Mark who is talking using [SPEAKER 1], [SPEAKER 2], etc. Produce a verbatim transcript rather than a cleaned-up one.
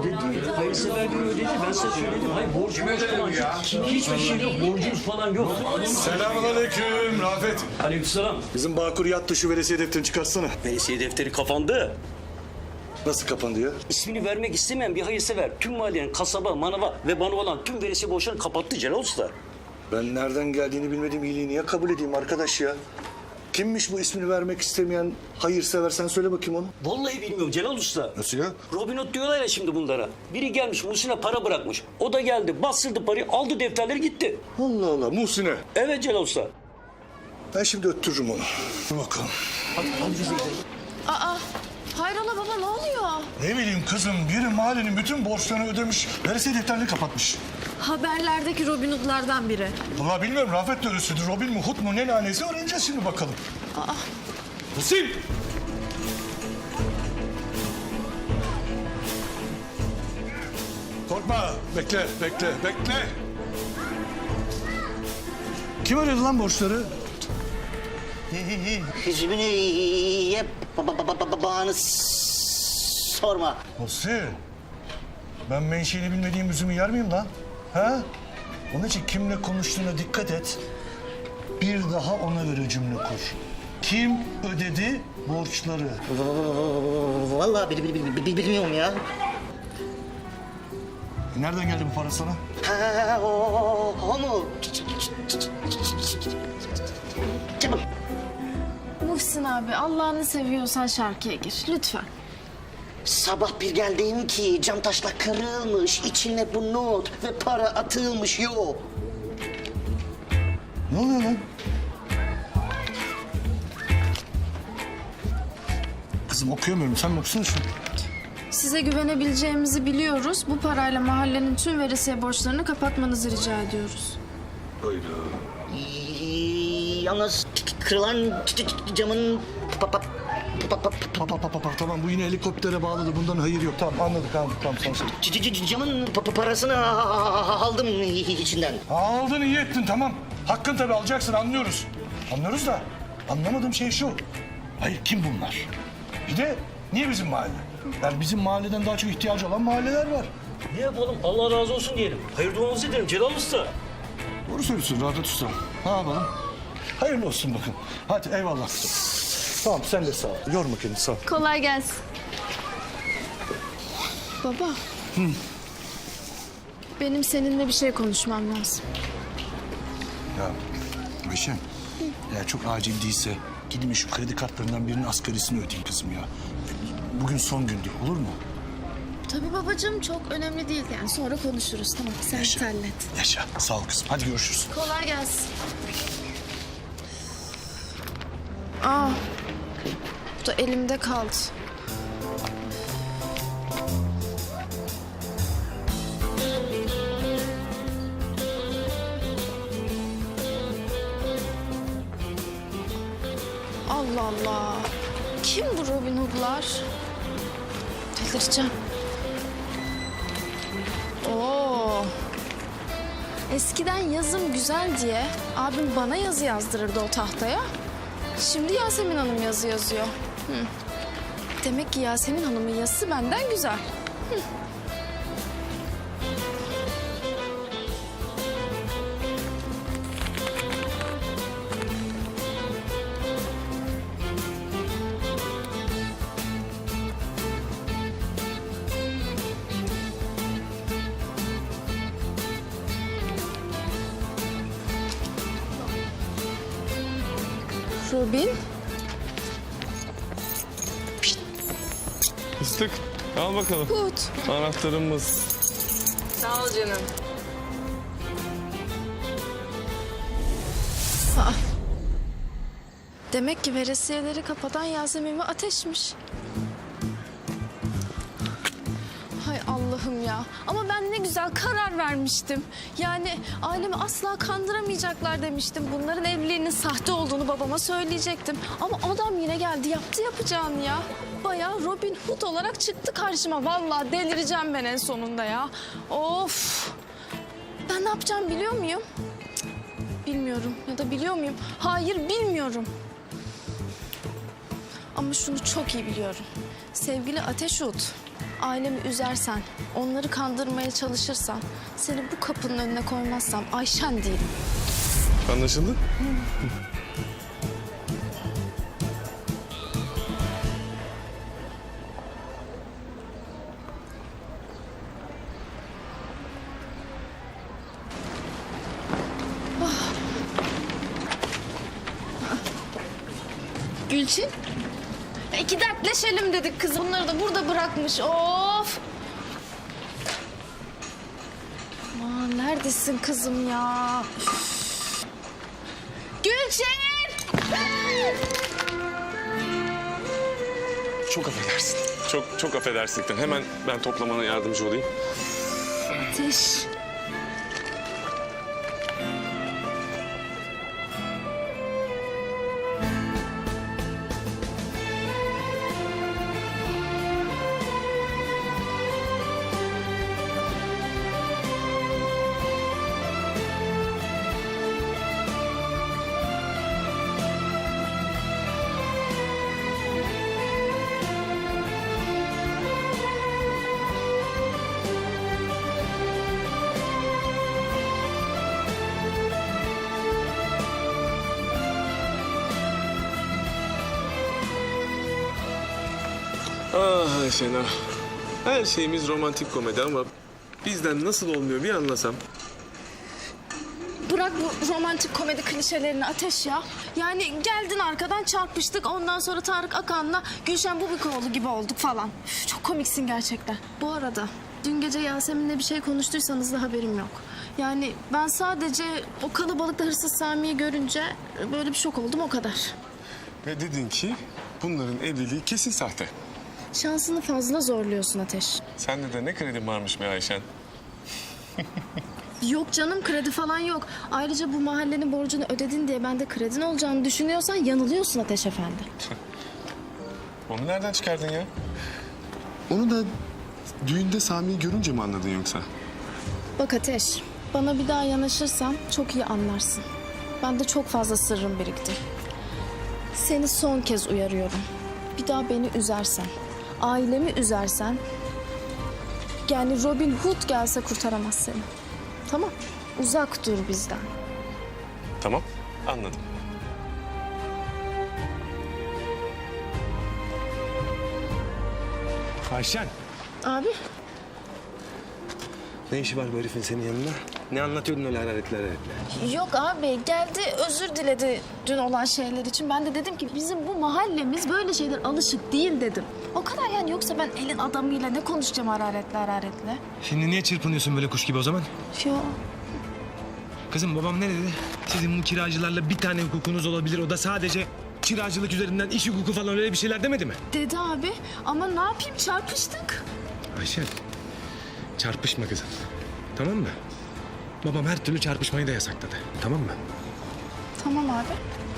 [SPEAKER 1] Ödedi. Hayırseverliği ödedi. Ben size söyledim. Hayır borcu borç falan yok. Hiçbir şey yok. Borcumuz falan yok.
[SPEAKER 2] Selamünaleyküm Rafet.
[SPEAKER 1] Aleykümselam.
[SPEAKER 2] Bizim Bağkur yattı, şu veresiye defterini çıkarsana.
[SPEAKER 1] Veresiye defteri kapandı.
[SPEAKER 2] Nasıl kapandı ya?
[SPEAKER 1] İsmini vermek istemeyen bir hayırsever tüm mahallenin kasaba, manava ve bana olan tüm veresiye borçlarını kapattı Celal Usta.
[SPEAKER 2] Ben nereden geldiğini bilmediğim iyiliği niye kabul edeyim arkadaş ya? Kimmiş bu ismini vermek istemeyen hayırsever, sen söyle bakayım onu.
[SPEAKER 1] Vallahi bilmiyorum Celal Usta.
[SPEAKER 2] Nasıl ya?
[SPEAKER 1] Robin Hood diyorlar ya şimdi bunlara. Biri gelmiş Muhsin'e para bırakmış. O da geldi bastırdı parayı aldı defterleri gitti.
[SPEAKER 2] Allah Allah, Muhsin'e.
[SPEAKER 1] Evet Celal Usta.
[SPEAKER 2] Ben şimdi öttürürüm onu. Dur bakalım.
[SPEAKER 1] Hadi, hadi bize gidelim.
[SPEAKER 3] Aa, hayrola baba ne oluyor?
[SPEAKER 2] Ne bileyim kızım, biri mahallenin bütün borçlarını ödemiş, veresiye defterini kapatmış.
[SPEAKER 3] Haberlerdeki Robin Hood'lardan biri.
[SPEAKER 2] Vallahi bilmiyorum, Rafet de öylesidir. Robin mi, Hood mu, ne lanesi öğreneceğiz şimdi bakalım.
[SPEAKER 3] Aa,
[SPEAKER 2] Muhsin! Korkma, bekle, bekle, bekle. Kim ödedi lan borçları?
[SPEAKER 4] Hüzmünü ye ba- ba- ba- ba- bağını s- sorma.
[SPEAKER 2] Muhsin, ben menşeini bilmediğim üzümü yer miyim lan? Ha? Onun için kimle konuştuğuna dikkat et. Bir daha ona göre cümle kur. Kim ödedi borçları?
[SPEAKER 4] Vallahi bil, bil, bil, bil- bilmiyorum ya.
[SPEAKER 2] Nereden geldi bu para sana?
[SPEAKER 4] Ha, o, o, o mu? Çabuk.
[SPEAKER 3] Muhsin abi Allah'ını seviyorsan şarkıya gir lütfen.
[SPEAKER 4] Sabah bir geldim ki cam taşla kırılmış, içine bu not ve para atılmış yok.
[SPEAKER 2] Ne oluyor lan? Kızım okuyamıyorum. Sen mi okusana şunu?
[SPEAKER 3] Size güvenebileceğimizi biliyoruz. Bu parayla mahallenin tüm veresiye borçlarını kapatmanızı rica ediyoruz.
[SPEAKER 4] Ee, Yalnız kırılan ç- ç- camın pa- pa- pa- pa-
[SPEAKER 2] Pa, pa, pa, pa, pa. Tamam, bu yine helikoptere bağladı. Bundan hayır yok. Tamam, anladık, anladık. Tamam, sen söyle.
[SPEAKER 4] c- c- c- camın pa- pa- parasını aldım içinden.
[SPEAKER 2] Aldın, iyi ettin, tamam. Hakkın tabii, alacaksın, anlıyoruz. Anlıyoruz da anlamadığım şey şu. Hayır, kim bunlar? Bir de niye bizim mahalle? Yani bizim mahalleden daha çok ihtiyacı olan mahalleler var.
[SPEAKER 1] Ne yapalım Allah razı olsun diyelim. Hayır duamızı edelim Celal Usta.
[SPEAKER 2] Doğru söylüyorsun Rafet Usta. Ne yapalım? Hayırlı olsun bakın. Hadi eyvallah. Tamam, sen de sağ ol. Yorma kendini, sağ ol.
[SPEAKER 3] Kolay gelsin. Baba. Benim seninle bir şey konuşmam lazım.
[SPEAKER 2] Ya Ayşen, eğer çok acil değilse gidin şu kredi kartlarından birinin asgarisini ödeyin kızım ya. Bugün son gündür, olur mu?
[SPEAKER 3] Tabii babacığım çok önemli değil yani sonra konuşuruz tamam sen
[SPEAKER 2] Yaşa.
[SPEAKER 3] hallet.
[SPEAKER 2] Yaşa, sağ ol kızım. Hadi görüşürüz.
[SPEAKER 3] Kolay gelsin. Aa, bu da elimde kaldı. Allah Allah. Kim bu Robin Hood'lar? Delireceğim. Oo. Eskiden yazım güzel diye abim bana yazı yazdırırdı o tahtaya. Şimdi Yasemin Hanım yazı yazıyor. Hı. Demek ki Yasemin Hanım'ın yazısı benden güzel. Hı. Robin.
[SPEAKER 5] Fıstık, al bakalım.
[SPEAKER 3] Hood.
[SPEAKER 5] Anahtarımız.
[SPEAKER 6] Sağ ol canım.
[SPEAKER 3] Aa. Demek ki veresiyeleri kapatan Yasemin ve Ateş'miş. Hay Allah'ım ya. Ama ben ne güzel karar vermiştim. Yani ailemi asla kandıramayacaklar demiştim. Bunların evliliğinin sahte olduğunu babama söyleyecektim. Ama adam yine geldi yaptı yapacağını ya. Bayağı Robin Hood olarak çıktı karşıma. Vallahi delireceğim ben en sonunda ya. Of. Ben ne yapacağım biliyor muyum? Cık, bilmiyorum ya da biliyor muyum? Hayır bilmiyorum. Ama şunu çok iyi biliyorum. Sevgili Ateş Hood ailemi üzersen, onları kandırmaya çalışırsan, seni bu kapının önüne koymazsam Ayşen değilim.
[SPEAKER 5] Anlaşıldı?
[SPEAKER 3] Gülçin. E, İki dertleşelim dedik kız. Bunları da burada bırakmış. Of. Aman neredesin kızım ya? Üf. Gülçin!
[SPEAKER 5] Çok affedersin. Çok çok affedersin. Hemen ben toplamana yardımcı olayım.
[SPEAKER 3] Ateş.
[SPEAKER 5] Ah Ayşen ah. Her şeyimiz romantik komedi ama bizden nasıl olmuyor bir anlasam.
[SPEAKER 3] Bırak bu romantik komedi klişelerini Ateş ya. Yani geldin arkadan çarpıştık. Ondan sonra Tarık Akan'la Gülşen Bubikoğlu gibi olduk falan. Üf, çok komiksin gerçekten. Bu arada dün gece Yasemin'le bir şey konuştuysanız da haberim yok. Yani ben sadece o kalabalıkta hırsız Sami'yi görünce böyle bir şok oldum o kadar.
[SPEAKER 5] Ve dedin ki bunların evliliği kesin sahte.
[SPEAKER 3] Şansını fazla zorluyorsun Ateş.
[SPEAKER 5] Sende de ne kredin varmış be Ayşen.
[SPEAKER 3] Yok canım kredi falan yok. Ayrıca bu mahallenin borcunu ödedin diye bende kredin olacağını düşünüyorsan yanılıyorsun Ateş Efendi.
[SPEAKER 5] Onu nereden çıkardın ya? Onu da düğünde Sami'yi görünce mi anladın yoksa?
[SPEAKER 3] Bak Ateş, bana bir daha yanaşırsan çok iyi anlarsın. Bende çok fazla sırrım birikti. Seni son kez uyarıyorum. Bir daha beni üzersen, ailemi üzersen... yani Robin Hood gelse kurtaramaz seni. Tamam, uzak dur bizden.
[SPEAKER 5] Tamam, anladım.
[SPEAKER 7] Ayşen,
[SPEAKER 3] Abi,
[SPEAKER 7] ne işi var bu herifin senin yanında? Ne anlatıyordun öyle hararetli hararetli?
[SPEAKER 3] yok abi geldi özür diledi dün olan şeyler için. Ben de dedim ki bizim bu mahallemiz böyle şeyler alışık değil dedim. O kadar yani, yoksa ben elin adamıyla ne konuşacağım hararetle hararetle.
[SPEAKER 7] Şimdi niye çırpınıyorsun böyle kuş gibi o zaman?
[SPEAKER 3] Yok.
[SPEAKER 7] Kızım babam ne dedi? Sizin bu kiracılarla bir tane hukukunuz olabilir. O da sadece kiracılık üzerinden iş hukuku falan öyle bir şeyler demedi mi?
[SPEAKER 3] Dedi abi ama ne yapayım çarpıştık.
[SPEAKER 7] Ayşen, çarpışma kızım. Tamam mı? Babam her türlü çarpışmayı da yasakladı. Tamam mı?
[SPEAKER 3] Tamam abi.